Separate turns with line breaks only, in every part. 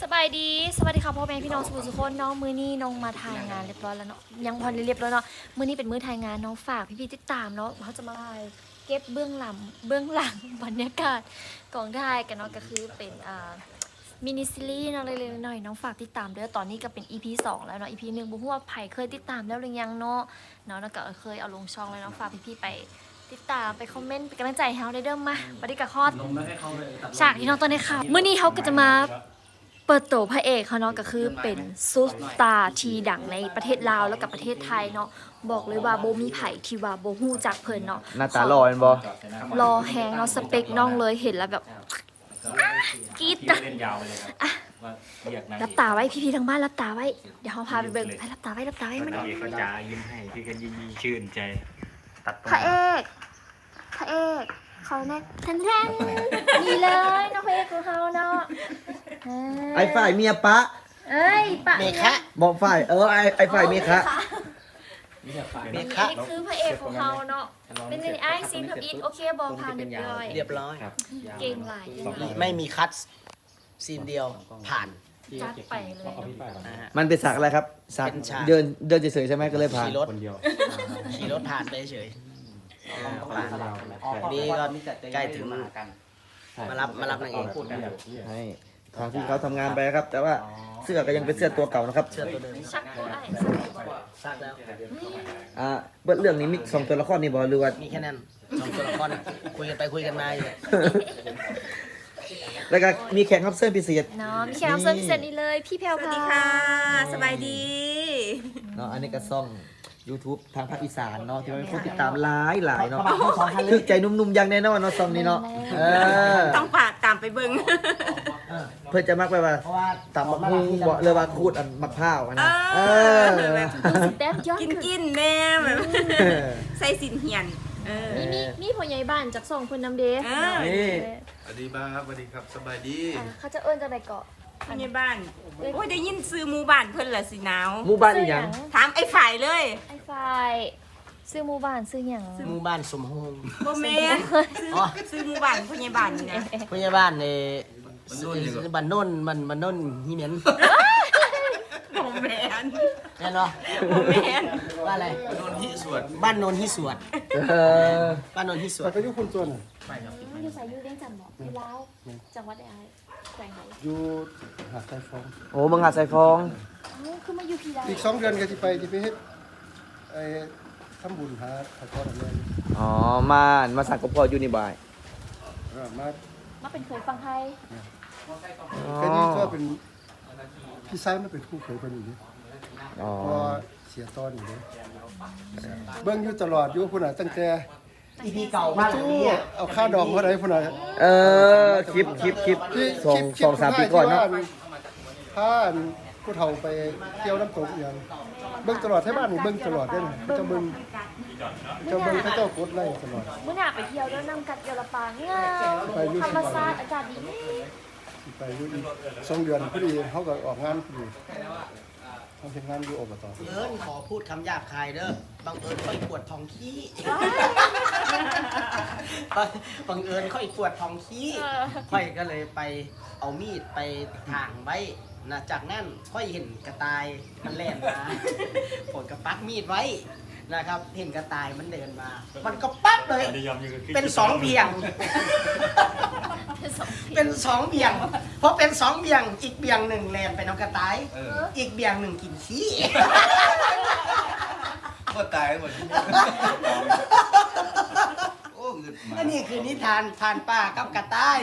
สบายดีสวัสดีค่ะพ่อแม่พี่น้องสุขคนเนาะมื้อนี้น้องมาถ่ายงานเรียบร้อยแล้วเนาะยังพอเรียบร้อยเนาะมื้อนี้เป็นมื้อถ่ายงานน้องฝากพี่ๆติดตามเนาะเขาจะมาถ่ายเก็บเบื้องหลังบรรยากาศกองถ่ายกันเนาะก็คือเป็นมินิซีรีส์เนาะเล็กๆน้อยๆน้องฝากติดตามเด้อตอนนี้ก็เป็น EP 2แล้วเนาะ EP 1บ่ฮู้ว่าไผเคยติดตามแล้วหรือยังเนาะแล้วก็เคยเอาลงช่องแล้วเนาะฝากพี่ๆไปติดตามไปคอมเมนต์เป็นกำลังใจให้เฮาได้เด้อมาบัดนี้ก็ฮอดฉากที่น้องตอนนี้ค่ะมื้อนี้เฮาก็จะมาเปิดตัวพระเอกเขาเนาะก็คือเป็นซุปตาร์ทีดังในประเทศลาวแล้วกับประเทศไทยเนาะบอกเลยว่าโบมีไผ่ที่ว่าโบฮู้จักเพิ่นเนาะ
หน้าตาหล่อเห็นบ่
รอแฮงเนาะสเปคน้องเลยเห็นแล้วแบบกรี๊ดนะรับตาไว้พี่ๆทางบ้านรับตาไว้เดี๋ยวเฮาพาไปเบิ่งให้รับตาไว้มัน
นางเอกก็จะยิ้มให้พี่ก็ยิ้มชื่นใจตัดตรง
พระเอกเขาแน่แทนนี่เลยน้องพระเอกของเขาเนาะ
ไอ้ฝ่ายเมียปะ
เอ้ยปะ
เมฆะ
บอกฝ่ายไอ้ฝ่ายเมียคะ
เม
นี่
ฆะ
คือพระเอกของเขาเนาะเป็นไงไอ้ซีนทับอิทโอเคบอลผ่านเรียบร้อย
เรียบร้อย
เก่งหลาย
ไม่มีคัตซีนเดียวผ่าน
จัดไปเลย
นะฮะ
มันเป็นสักอะไรครับสัก
เป็นฉาก
เดินเฉยๆใช่ไหมก็เลยผ่าน
ขี่รถผ่านไปเฉยผ่านนี่ก็ใกล้ถึงมารับนางเอก
ให้ทางที่เขาทำงานไปครับ แต่ว่าเสื้อก็ยังเป็นเสื้อตัวเก่านะครับ
เสื้อตัวเดิม
ชักตัวไอ้
ซักแล้ว
เบิดเรื่องนี้มี2ตัวละครนี่บ่หรือว่า
มีแค่นั้นสองตัวละครคุยกันไปคุยกันมาอยู่
แล้วก็มีแขกรับเชิญพิเศษ
เนาะมีแขกรับเชิญพิเศษนี่เลยพี่แพรว
สวัสดีค่ะ สบายดี
เนาะอันนี้ก็ซ่อง YouTube ทางภาคอีสานเนาะที่มีคนติดตามหลายเนาะถึกใจหนุ่มๆอย่างแน่นอนเนาะซ่องนี้เนาะ
ต้องฝากตามไปเบิ้ง
เพื่อจะมักไปว่าตำบักหุ่งบ่หรือว่าคูดอันมะพร้าวอันนะ
แบบ
แต้มยอด
กินแน่แบบใส่สินเหียน
มีพ่อใหญ่บ้านจากส่งเพิ่นนำเด้
นี่
สวัสดีครับสวัสดีครับสบายดี
เขาจะเอิ้นจังได๋เกาะ
พยาบ้านโอ้ยได้ยินซื้อหมู่บ้านเพิ่นละสิหนาว
หมู่บ้านอีหยัง
ถามไอ้ฝ่ายเลย
ไอ้ฝ่ายซื้อหมู่บ้านซื้อหยัง
หมู่บ้านสมโฮง
โบแมนซื้อหมู่บ้านพยาบ้านนี่นะ
พยาบ้านในบ้านโน่นมันโน่นฮิเมน
โบแมน
แน่นอน
โบแมน
บ้านอะไร
โดนที่สวด
บ้านโนนฮิสวด
เออ
บ้านโนนฮิสวด
อยู่ไสอยู่เลี้ยงจันทน์บ่อยู่ลาวจังหวัดใดอ้ายแขวงไหน
อยู่หาดไทยฟอง
โอ้มึงหาดใส่ฟอง
คือมาอยู่พี่ได้
อีก2 เดือนก็สิไปเฮ็ดไอ้ทำบุญหาพระพ่อแม่
อ๋อมาสั่งกับพ่ออยู่นี่บ่าย
มา
เป็นเคยฟังไทย
ก็นี่ก็เป็นพี่ชายมันเป็นผู้เคยเพิ่นอยู่นี่
อ๋อ
พอเสียตอนอยู่นี่เบิ่งอยู่ตลอดอยู่พุ่นน่ะตั้งแต่
อีพีเก่าบ้านหลังนี้อ่ะ
เอาค่าดองเท่าใดพุ่นน่ะ
คลิป
ที่
2-3 ปีก่อนเนาะ
พาผู้เฒ่าไปเที่ยวน้ำตกอีหยังเบิ่งตลอดที่บ้านนี่เบิ่งตลอดเด้อเขาจะเบิ่งเขาเจ้ากดไล่ตลอด
มื้อหน้าไปเที่ยวแล้วนำกัดเยอรปางงามธรรมชาติอากาศดี
ไปอยู่อีก2 เดือนพอดีเขาก็ออกงานพอดีเขาเฮ็ดงานอยู่อบต
ขอพูดคำหยาบคายเด้อบังเอิญค่อยปวดท้องขี้บังเอิญค่อยปวดท้องขี้ค่อยก็เลยไปเอามีดไปถางไว้นะจากนั้นค่อยเห็นกระต่ายมันแล่นมาผมก็ปักมีดไว้นะครับ เห็นกระต่ายมันเดินมา มันก็ปั๊บเลยเป็น2เบี่ยง เป็น2เบี่ยงเพราะเป็น2เบี่ยงอีกเบี่ยงหนึ่งแลนไปน้ำกระต่ายอีกเบี่ยงหนึ่งกินขี้
ก็ตายหมดที่นี่โอ้เงินมา
อันนี้คือนิทานผ่านป่ากับกระต่าย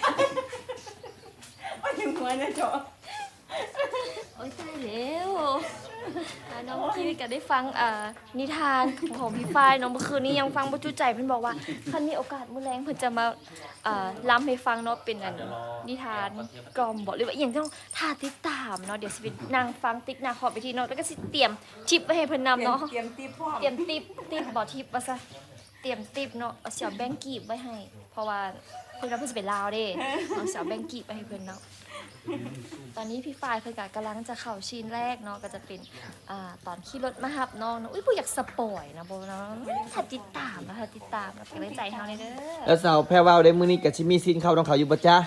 ว่าถึงหัวนะจ๊อ
โอ้ยตายแล้วน้องพี่ก็ได้ฟังนิทานของพี่ฝ้ายน้องเมื่อคืนนี้ยังฟังบ่จุใจเพิ่นบอกว่าคันมีโอกาสมื้อแลงเพิ่นจะมาล้ำให้ฟังเนาะเป็นอันนิทานกล่อมบ่หรือว่าอหยังต้องท่าติดตามเนาะเดี๋ยวสิไปนั่งฟังติ๊กหน้าขอบไปทีเนาะแล้วก็สิเตรียมชิปไว้ให้เพิ่นนำเนาะ
เตรียมตีพ่อ
เตรียมติปบ่ทิปว่าซะเตรียมติปเนาะเอาเสียแบงกีบไว้ให้ เพราะว่าเพิ่นว่าเพิ่นสิไปลาวเด้เอาเสียแบงกีบไปให้เพิ่นเนาะ ตอนนี้พี่ฝ้ายเพิ่นก็กำลังจะเข้าซีนแรกเนาะก็จะเป็นตอนขี่รถมาหับน้องเนาะอุ้ยบ่อยากสปอยนะบ่เนาะถ้าติดตามนะถ้าติดตามนะเป็นกำลังใจเฮาเด้อ
แล้วสาวแพรวาวได้มื้อนี้ก็สิมีซีนเข้าต้องเขาอยู่บ่จ๊ะ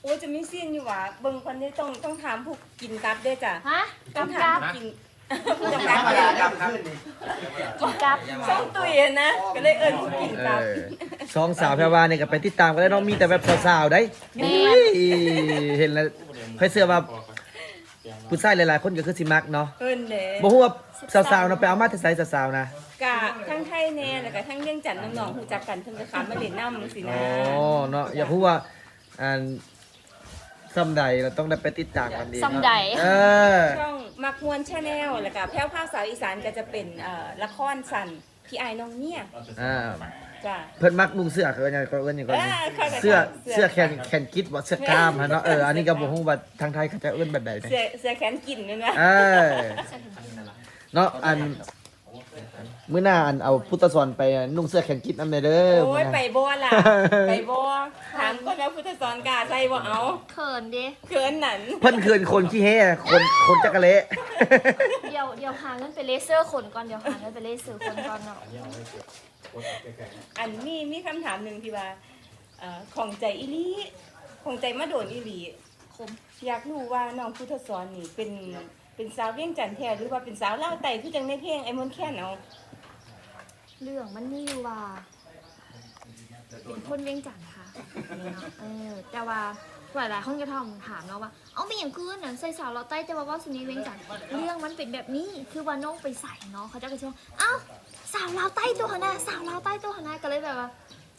โอ้ยจะมีเสียงอยู่ว่ะเบิ่งคนนี้ต้องถามผู้กินกับด้วยจ้ะ
ฮะ
ต้อง
กำ
ถาม
กับ
ผู้กินผู้
ธร
กำ
ร
กับ
มดาดำขึ้นนี่
กินกับ
ช่องตุ๋ยนะก็เลยเอิ้นผู้กินกับ
สองสาวแพรวาเนี่ยก็ไปติดตามกันได้เน้องมีแต่แบบสาวๆได้
แม่
อุ้ยเห็นแล้วค่อยเสื้อว่าผู้ชายหลายๆคนก็คือสิมักเนาะ
เอิ้นเด้
บ่ฮู้ว่าสาวๆเนาะไปเอามาแต่ไสสาวๆนะ
กะทั้งไทยแน่แล้วก็ทั้งเรื่องจันทน์น้องๆฮู้จักกันเพิ่นก็ขามาเล่นน้ำสิ
อ๋
นะ
อเนาะอยากรู้ว่าอันซ้ำใดเราต้องได้ไปติดตามกันดีเนาะ
ซ้ำใด
เออ
ช่องมักมวนชาแนลแล้วก็แพ้วภาคสาวอีสานก็จะเป็นละครสั้นพี่อายน้องเนี่ย
อ่า
จ้ะ
เพิ่นมักนุ่งเสื้อคือว่าหยังก็เอิ้นหยังก็
เข้าใจ
เสื้อแขนกิ๊ดบ่เสื้อกล้ามฮะเนาะอันนี้ก็บ่ฮู้ว่าทางไทยเขาจะเอิ้นแบบใดนะ
เสื้อแขนกินนั่นนะ
เออเนาะอันมื้อหน้าอันเอาพุทธสอนไปนุ่งเสื้อแขนกิ๊ดนำเด้อ
โอ้
มื้
ย
อหน้า
ไปบ่ล่ะ ไปบ่ถามก็แล้วพุทธสอนกาใส่บ่เอา
เขินดิ
เขินนั่น
เพิ่นคืนคนขี้เฮ่คนจักระเละ
เดี๋ยวหาเงินไปเลเซอร์ขนก่อนเดี๋ยวหาเงินไปเลเซอร์ขนก่อนเนาะ
อันนี้มีคำถามหนึ่งที่ว่าของใจอีหลีของใจมาโดนอีหลี
คม
อยากรู้ว่าน้องพุทธสอนนี่เป็นสาวเวียงจันทน์แท้หรือว่าเป็นสาวลาวไต่คือจังในเพลงไอ้มนต์แค่นเอา
เรื่องมันมีอยู่ว่าเป็นคนเวียงจันทน์ค่ะแต่ว่าหลายๆคนก็ถามเนาะว่าเอาไม่อย่างคืนน่ะใส่สาวเราวใต้แต่ว่าสุนีเวียงจันทน์เรื่องมันเป็นแบบนี้คือว่าน้องไปใส่เนาะเขาจะกระชากเอ้าสาวเราวใต้ตัวหน้าสาวเราวใต้ตัวหน้าก็เลยแบบว่า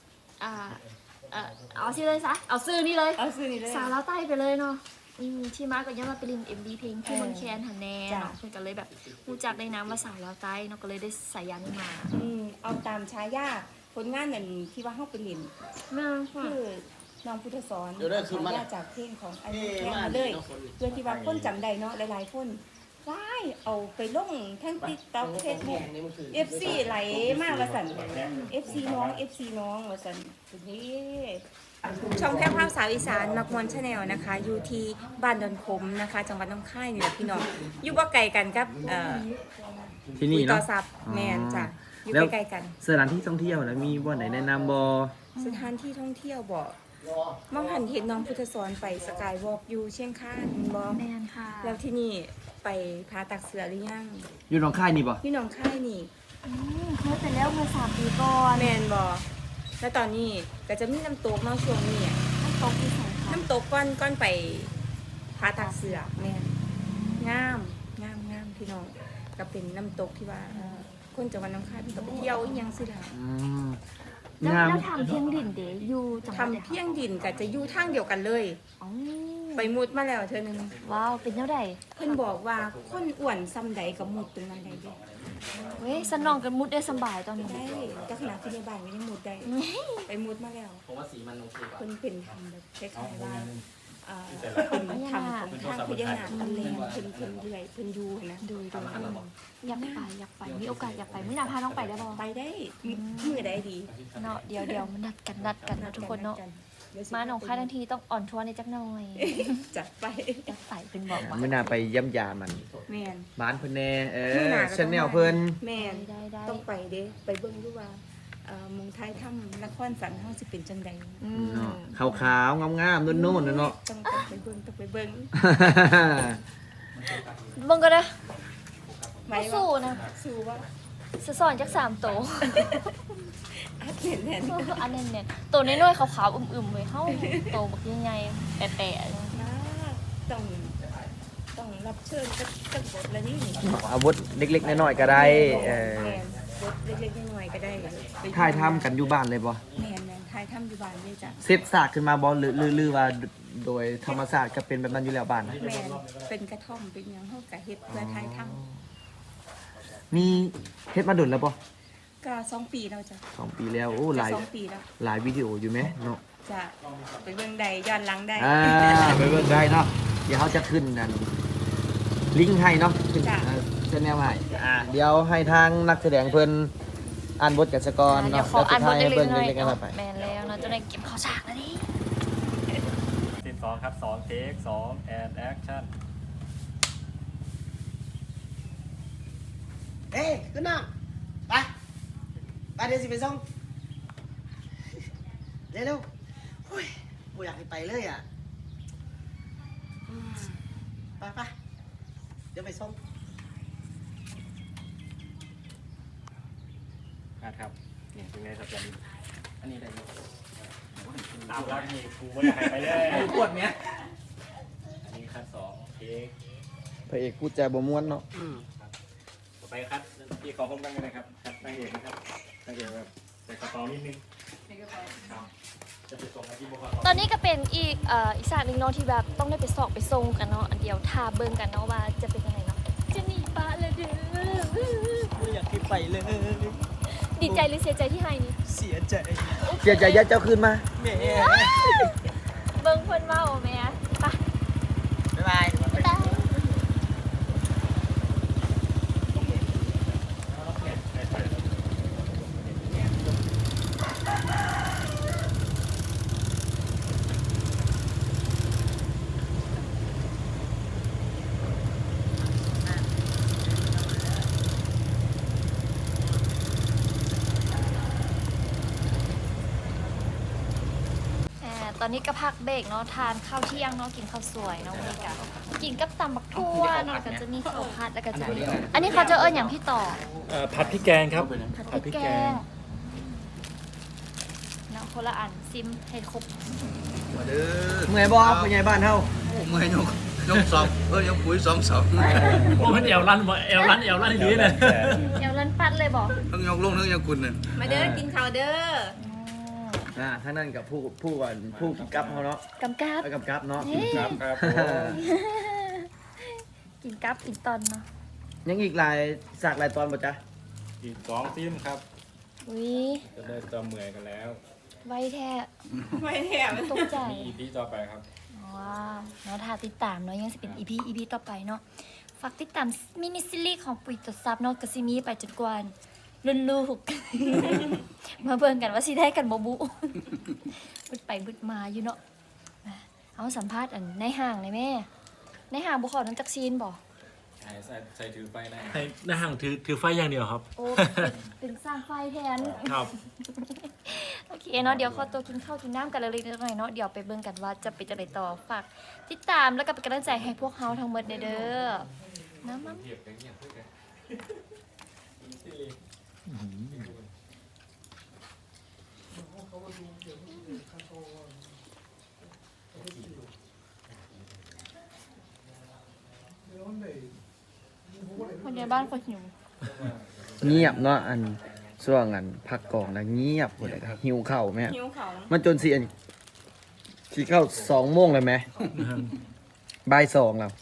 เอาชื่อเลยซะเอาชื่อนี่เลย
เอาซื้อนี่เลย
สาวเราวใต้ไปเลยเนาะที่มาก็ยังมาไปลิน MV เพลงที่มันแคนหันแน่
จ้ะ
เนาะเพื่อนก็เลยแบบรู้จักในน้ำว่าสาวเราวใต้เนาะก็เลยได้ใส่ยันมา
เอาตามฉายาผลงานนั่นที่ว่าเฮาไปเล่น
แม่ค่ะ
คือน้องพุทธสอน
เดี๋ยวได้คืนมา
ฉายาจากเพลงของไอ้มนต์แค่
มาน
เลย
เนาะคน
เพื่อที่ว่าคนจำได้เนาะหลายๆคนได้เอาไปลงทั้ง TikTok Facebook FC ไหลมากว่าสั่น FC น้อง FC น้องว่าสั่นนี่ช่องแพร่ภาพสาวอีสานมักมวนชาแนลนะคะ อยู่ที่บ้านดอนคมนะคะ จังหวัดน้ำค่ายนี่แหละพี่น้องอยู่บ่ไกลกันครับ
ที่นี่
คุยต่อ
เนาะ
ซับแมนจ้ะอยู่
แล้ว
ใกล้ๆกัน
สถานที่ท่องเที่ยวนะมีบ่อนไหนแนะนำบ่
สถานที่ท่องเที่ยวบ่มองหันเห็นน้องพุทธสอนไปสกายวอล์กอยู่เชียงคานบ่
แม่นค่ะ
แล้วที่นี่ไปพาตักเสือหรือยัง
อยู่หนองคายนี่บ่
พี่น้องค่ายนี่
เคยไปแล้วเมื่อ3 ปีก่อน
แมนบ่แล้วตอนนี้ก็จะมีน้ำตกเนาะช่วงนี้อะ
น้ำตกที่ไหนคะ
น้ำตกก้อนไปพาตักเสือแมนงามพี่น้องก็เป็นน้ำตกที่ว่าคนจังหวัดน้องคายเพิ่นก็ไปเที่ยวอีหยังสิล่ะ
อืม
แล้ว
งาม
แล้วทำเพียงดินเดย์อยู่จังหวัดไหน
ทำเพียงดินก็จะอยู่ทางเดียวกันเลย
อ๋อ
ไปมุดมาแล้วเธอนึง
ว้าวเป็นเท่าไหร่
เพิ่นบอกว่าคนอ้วนซ้ำใดก็มุดตรงนั้นได้เด้
เว้ยสนองกันมุดได้สบายตอนนี้
ได้แต่ขนาดที่ในบ้านก็ยังมุดได้ ไปมุดมาแล้วผมว่าสีมันโอเคเพิ่นเป็นทำแบบคล้ายๆว่าเป็นทำของทางพญานาคอันแรงเพิ่นเรื่อยเพิ่นดูนะ
ดูอยากไปมีโอกาสอยากไปมื้อหน้าพาน้องไปได้บ่
ไปได้มือได้ดี
เนาะเดี๋ยวมันนัดกันนะทุกคนเนาะ
เดี๋ยวสิ
มาหนองคายทั้งทีต้องอ่อนทัวร์ในจักหน่อย
จัดไป
อยากไปเป็นบอกว่า
มื้อหน้าไปเยี่ยมยามัน
แม่น
บ้านเพิ่นแน่
มื้อหน้าก็
ชแนลเพิ่น
แม่น
ได้
ต้องไปเด้ไปเบิ่งดูว่าเมืองไทยถ้ำนครสันเฮาสิเป็นจังใด
เนาะขาวๆงามๆนุ่นๆนะเนาะ
ต้องไปเบิ่ง
เบิ่งก็ได้
ไหม
ไม่สู้นะ
สู้ว่า
สอนจัก3โต
อัดแน่น
อันนั้นเนี่ยตัวน้อยๆขาวๆอึมๆเลยเฮาโตบักใหญ่ๆแปะๆ
ๆนะต้องรับเชิญจักบทละนี่
อาวุธเล็กๆน้อยๆก็ได้
แม่นบทเล็กๆน้อยๆก็ได้ไป
ถ่ายทำกันอยู่บ้านเลยบ่
แม่นถ่ายทำอยู่บ้านเลยจ้ะ
เซตซากขึ้นมาบ่หรือว่าโดยธรรมชาติก็เป็นแบบนั้นอยู่แล้วบ้าน
แม่นเป็นกระท่อมเป็นหยังเฮาก็เฮ็ดเพื่อถ่ายทำ
มีเฮ็ดมาดุนแล้วบ่
ก็2 ปีแล้วจ้ะ
2 ปีแล้วโอ้ห
จะ
ลาย
2 ปีแล้ว
หลายวิดีโออยู่ไหมเนาะ
จะไปเบิ่งใดย้อนหลังได้
ไปเบิ่งได้เนาะเดี๋ยวเขาจะขึ้นนั่นลิงก์ให้เนาะขึ้น
จ้ะ
เส้นแนวให้เดี๋ยวให้ทางนักแสดงเพิ่นอ่านบทกันซะก่อน
เดี๋ย
เนาะ
วขออ่านบท
แล้ว
เล็
สุดท้ายให้
กๆ
เบิ่ง
น้อย
เล็กๆกันไป
ๆแม่นแล้วเนาะจะได้เก็บข้าวฉากแล้วนี่
ซีน2ครับ2เทค2แอนแอคชั่น
เอ้ยขึ้นน้องไปเดี๋ยวสิไปส่งเร็วๆโอ้ยกูอยากให้ไปเลยอ่ะไปเดี๋ยวไปส่ง
ครับเนี่ยเป็นไงครับจัน
อันนี้ได้อยู่
ตามรักนี่กูไม่ได้หายไปเลย
ปวดเนี้ย
อันนี้คัด2เทค
พระเอกพูดจาบ่ม่วนเนาะ
ต่อไปคัดที่ขอผมกันเลยนะครับคัดนางเอกนะครับนางเอกแบบใส่กระเป๋านิดนึงครับจะไปส่งที่บุคคล
ตอนนี้ก็เป็นอีกศาสตร์หนึ่งเนาะที่แบบต้องได้ไปสอบไปทรงกันเนาะอันเดียวทาเบิ่งกันเนาะว่าจะเป็นยังไงเนาะจะหนีปะเลยเด้อ
ไม่อยากที่ไปเลย
ดีใจหรือเสียใจที่ให้นี่
เสียใจ
เสียใจยัดเจ้าคืนมา
แม่
เบิ่งเพิ่นเว้าแม่ไป
บ๊ายบาย
บ๊ายบาย ตอนนี้ก็พักเบรกเนาะทานข้าวเที่ยงเนาะกินข้าวสวยเนาะวันนี้ก็กินกับตำบักทั่วเนาะแล้วก็จะมีข้าวผัดแล้วก็จะมีอันนี้เขาจะเอิ้นอย่างพี่ต่อ
ผัดพริกแกงครับ
ผัดพริกแกงเนาะคนละอันซิมให้ครบ
มาเด้อ
เมื่อยบ่ผู้ใหญ่บ้านเฮา
โอ้เมื่อยยกสอบยกปุ๋ย2
โอ้มันเอวลั่นดีเลย
เดี๋ยวรันปัดเลยบอก
ทั้งยกลงทั้งยกคุณน่ะ
มาเด้อกินข้าวเด้อ
ทางนั้นกับผู้ก่อนผู้กำกับเฮาเนาะ
กำกับ
เอากำกับเนาะ
ครับครับ
กินกับกินตอนเนาะ
ยังอีกหลายฉากหลายตอนบ่จ๊ะ
อีก2ซิมครับ
อุ้ย
จะได้จะเมื่อยกันแล้ว
ไวแท้
ไม่แถม
ตกใจ
มี EP ต่อไปครับ
ว้าวเนาะถ้าติดตามเนาะยังจะเป็น EP ต่อไปเนาะฝากติดตามมินิซีรีส์ของปุ๋ยตดซับเนาะกสิมีไปจนกว่ารุ่นลูก มาเบิ่งกันว่าสิได้กันบ่บุ บึดไปบึดมาอยู่เนาะเอาสัมภาษณ์อันในห้างในแม่ในห้างบ่ขอน้ำจักซีนบ่
ใส่ถือไฟได้
ในห่างถือไฟอย่างเดียวครับ
โอ้เป็นสร้างไฟแทน
ครับ
โอเคเนาะเดี๋ยวขอตัวกินข้าวกินน้ำกันเล็กๆน้อยๆเนาะเดี๋ยวไปเบิ่งกันว่าจะเป็นจังไดต่อฝากติดตามแล้วก็เป็นกำลังใจให้พวกเฮาทั้งหมดเด้อนะมั้ง คนในบ้านคนหิว
เงียบเนาะอันช่วงอันพักกองนะเงียบหมดเลยครับหิวข้าวแม่
หิวเขาว
มันจนสิอันสิเข้า2 โมงเลยไหมบ่าย 2แล้ว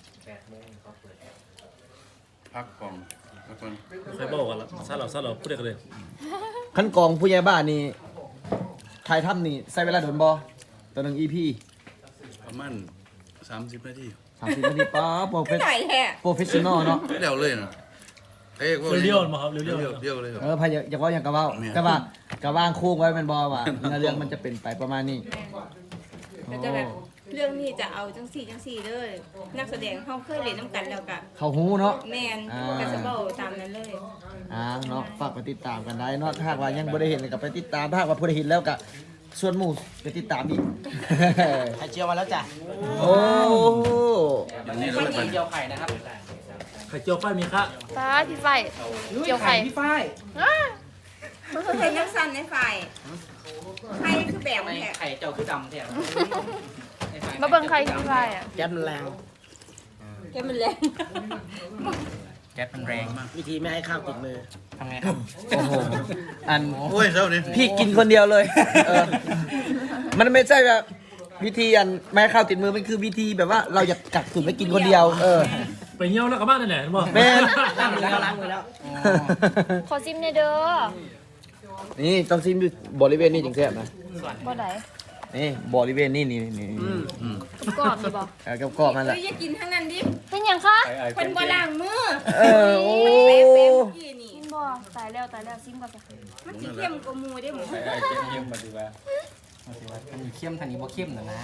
พักก่อนพักก่อน
ใครบอกกันละซาเราพูดได้กันเลย
ขั้นกองผู้ใหญ่บ้านนี่ถ่ายทำนี่ใช้เวลาโดนบ่ต่อ1 EP
ประมาณ30 นาที
30นาทีป๊าโปรเฟ
ไม่
ส
ไหนแท้
โปรเฟชชั่นอลเนาะ
ไม่เร็วเลยนะ
เรียวๆมาครับเรียว
เรียวเลยครับ
พายอยากว่าอย่างกะว่า
เนี่ย
แต่ว่ากะว่างโค้งไว้เป็นบอว่าเนื้อเรื่องมันจะเป็นไปประมาณนี้
ก็จะแบบเรื่องนี้จะเอาจังสี่เลยนักแสดงเขาเคยเล่นน้ำกันแล้วกะ
เขาหูเนาะ
แมน
อ่า
กระสเบ้าตามนั้นเลย
เนาะฝากไปติดตามกันได้เนาะถ้าหากว่ายังบ่ได้เห็นก็ไปติดตามถ้าหากว่าผู้ใดเห็นแล้วก็ส่วนหมู่ไปติดตามอีก
ไข่เจียวมาแล้วจ้ะ
โอ้
อย่างนี้ก็
ไข่
เลย
เจียวไข่นะครับ
ไข่เจียวไฟมีค่ะ
ป้าพี่ไฟเกี่ยวไข่
พี่ฝ้าย
เห็นนักสั้นในฝ่ายใครคือแบบแท้
ไข่เจียวคือดำแท้
มาเบิ่งใครพี่ไฟอ่ะ
แก๊สมันแรง
แกมันแรง
แก๊สมันแรงวิธีไม่ให้ข้าวติดมือทำไงครับ
โอ้โหอัน
โอ้ยเจ้านี่
พี่กินคนเดียวเลยเออมันไม่ใช่แบบวิธีอันไม่ให้ข้าวติดมือมันคือวิธีแบบว่าเราอยากกักตุนไว้กินคนเดียว
ไปเงี้ยวแล้วกลับบ้านนั่นแหละบอก
แม่น
ล้างมือแล้วล้างมือแล้ว
ขอซิมในอยเด้อ
นี่ต้องซิมอยู่บริเวณนี้จริงแซ่บนะ
บ่ได้
นี่บริเวณนี้นี่
กรอบนี่บ่
กับกรอบมันแห
เฮ้
ละ
ยอย่ากินทั้งนั้นดิ
เป็นหยังคะ
คนบ่ล้างมือ
โอ้
เป๊ะเมื่อกี้นี่
ซิมบ่ตายแล้วซิมก่อนจ้ะ
มันสิเข้มกว่าหมูได้หมู
ไอ้เกมมาดูว่า
ทันนี้เข้มทันนี้บ่เข้มนะ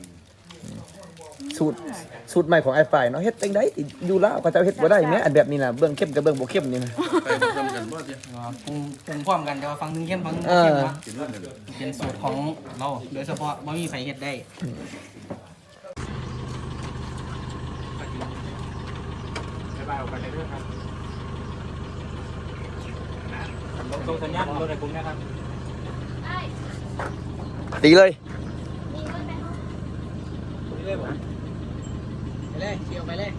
สูตรใหม่ของไอ้ฝ่ายเนาะเฮ็ดจังได๋อยู่ลาวก็จะเฮ็ดบ่ได้แม้อันแบบนี้น่ะเบื้องเข้มกับเบื้องบ่เข้มนี่นะ
ไปทำกันบ่เดียว
ปรุงพร้อมกันแต่ว่าฟังนึงเข้มฟังนึง
เอ
เข้
อ
มนะ
กินเรื่องกัน
เป็นสูตรของเราโดยเฉพาะบ่มีใครเฮ็ดได้
ออกไปเรื่อยๆครับส่งสัญญาณรถในกลุ่มนะครับ
ตีเลย
ไปเลยเกี่ยวไปเลย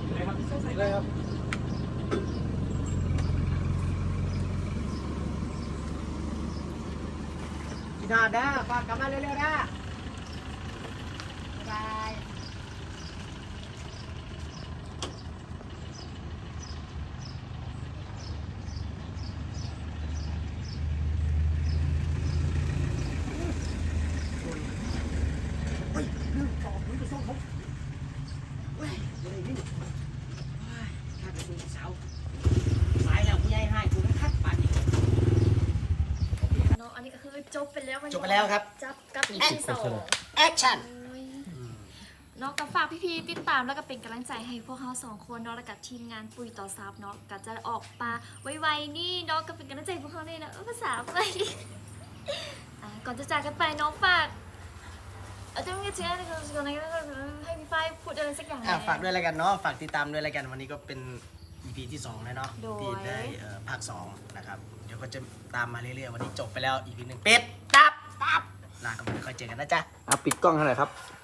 พี่นาด้าฝากกลับมาเร็วๆด้าบายสายแล้วผู้ใหญ่ให้กูต้องคัดปานนี้
เนาะอันนี้ก็คือจบไปแล้ววันนี้
จบไปแล้วครับ
จับกับ EP 2
แอคชั่น
เนาะก็ฝากพี่ๆติดตามแล้วก็เป็นกำลังใจให้พวกเรา2คนเนาะแล้วกับทีมงานปุ๋ยต่อซับเนาะก็จะออกมาไวๆนี่เนาะก็เป็นกำลังใจให้พวกเขาเลยนะภาษาอะไรก่อนจะจากกันไปน้องฝากจะไม่เชื่อในก่อนไหนก็ให้พี่ฝ้ายพูดอะไรสักอย่าง
ฝากด้วยแล้วกันเนาะฝากติดตามด้วยแล้วกันวันนี้ก็เป็น EP ที่2แล้วเนาะ
โดย
ที่ได้ภาค2นะครับเดี๋ยวก็จะตามมาเรื่อยๆวันนี้จบไปแล้ว EP 1เป็ดตับลากันไปค่อยเจอกันนะจ๊ะ
ปิดกล้องให้หน่อยครับ